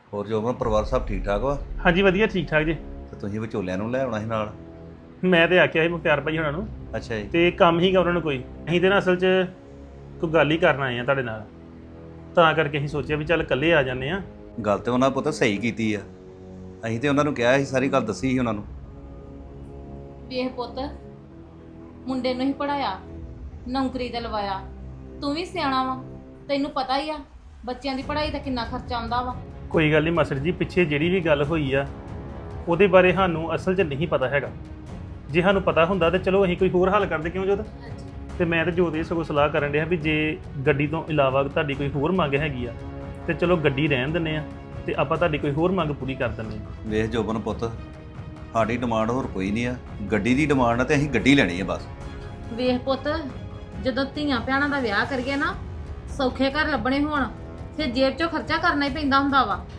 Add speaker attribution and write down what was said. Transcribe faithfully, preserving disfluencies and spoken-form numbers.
Speaker 1: ਹੋਰ ਜੋਬਨ ਪਰਿਵਾਰ ਸਭ ਠੀਕ ਠਾਕ ਵਾ?
Speaker 2: ਹਾਂਜੀ ਵਧੀਆ ਠੀਕ ਠਾਕ ਜੀ।
Speaker 1: ਤੇ ਤੁਸੀਂ ਵਿਚੋਲਿਆਂ ਨੂੰ ਲੈ ਆਉਣਾ ਸੀ ਨਾਲ।
Speaker 2: ਮੈਂ ਤੇ ਆਖਿਆ ਸੀ ਮੁਖਤਿਆਰ ਭਾਈ ਉਹਨਾਂ ਨੂੰ,
Speaker 1: ਅੱਛਾ ਜੀ।
Speaker 2: ਤੇ ਕੰਮ ਹੀਗਾ ਉਹਨਾਂ ਨੂੰ ਕੋਈ। ਅਸੀਂ ਤੇ ਨਾ ਅਸਲ 'ਚ ਕੋਈ ਗੱਲ ਹੀ ਕਰਨ ਆਏ ਆ ਤੁਹਾਡੇ ਨਾਲ, ਤਾਂ ਕਰਕੇ ਅਸੀਂ ਸੋਚਿਆ ਵੀ ਚੱਲ ਇਕੱਲੇ ਆ ਜਾਂਦੇ ਆ।
Speaker 1: ਗੱਲ ਤੇ ਉਹਨਾਂ ਪੁੱਤ ਸਹੀ ਕੀਤੀ ਆ। ਅਸੀਂ ਤੇ ਉਹਨਾਂ ਨੂੰ ਕਿਹਾ ਸੀ, ਸਾਰੀ ਗੱਲ ਦੱਸੀ ਸੀ ਉਹਨਾਂ ਨੂੰ।
Speaker 3: ਵੇਖ ਪੁੱਤ, ਮੁੰਡੇ ਨੂੰ ਹੀ ਪੜਾਇਆ, ਨੌਕਰੀ ਤੇ ਲਵਾਇਆ। ਤੂੰ ਵੀ ਸਿਆਣਾ ਵਾ, ਤੈਨੂੰ ਪਤਾ ਹੀ ਆ ਬੱਚਿਆਂ ਦੀ ਪੜ੍ਹਾਈ ਦਾ ਕਿੰਨਾ ਖਰਚਾ ਆਉਂਦਾ ਵਾ।
Speaker 2: ਕੋਈ ਗੱਲ ਨਹੀਂ ਮਾਸਟਰ ਜੀ, ਪਿੱਛੇ ਜਿਹੜੀ ਵੀ ਗੱਲ ਹੋਈ ਆ ਉਹਦੇ ਬਾਰੇ ਸਾਨੂੰ ਅਸਲ 'ਚ ਨਹੀਂ ਪਤਾ ਹੈਗਾ। ਜੇ ਸਾਨੂੰ ਪਤਾ ਹੁੰਦਾ ਤੇ ਚਲੋ ਅਸੀਂ ਕੋਈ ਹੋਰ ਹੱਲ ਕਰਦੇ, ਕਿਉਂ ਜੋਤ? ਤੇ ਮੈਂ ਤੇ ਜੋਤ ਇਹ ਸਗੋਂ ਸਲਾਹ ਕਰਨ ਡਿਆ ਵੀ ਜੇ ਗੱਡੀ ਤੋਂ ਇਲਾਵਾ ਤੁਹਾਡੀ ਕੋਈ ਹੋਰ ਮੰਗ ਹੈਗੀ ਆ ਤੇ ਚਲੋ ਗੱਡੀ ਰਹਿਣ ਦਿੰਦੇ ਆ ਤੇ ਆਪਾਂ ਤੁਹਾਡੀ ਕੋਈ ਹੋਰ ਮੰਗ ਪੂਰੀ ਕਰ ਦਿੰਦੇ ਆ।
Speaker 1: ਵੇਖ ਜੋਬਨ ਪੁੱਤ, ਸਾਡੀ ਡਿਮਾਂਡ ਹੋਰ ਕੋਈ ਨਹੀਂ ਆ। ਗੱਡੀ ਦੀ ਡਿਮਾਂਡ ਆ ਤੇ ਅਸੀਂ ਗੱਡੀ ਲੈਣੀ ਆ ਬਸ।
Speaker 3: ਵੇਖ ਪੁੱਤ, ਜਦੋਂ ਧੀਆਂ ਭੈਣਾਂ ਦਾ ਵਿਆਹ ਕਰੀਏ ਨਾ, ਸੌਖੇ ਘਰ ਲੱਭਣੇ ਹੋਣ, ਫਿਰ ਜੇਬ ਚੋਂ ਖਰਚਾ ਕਰਨਾ ਹੀ ਪੈਂਦਾ ਹੁੰਦਾ ਵਾ।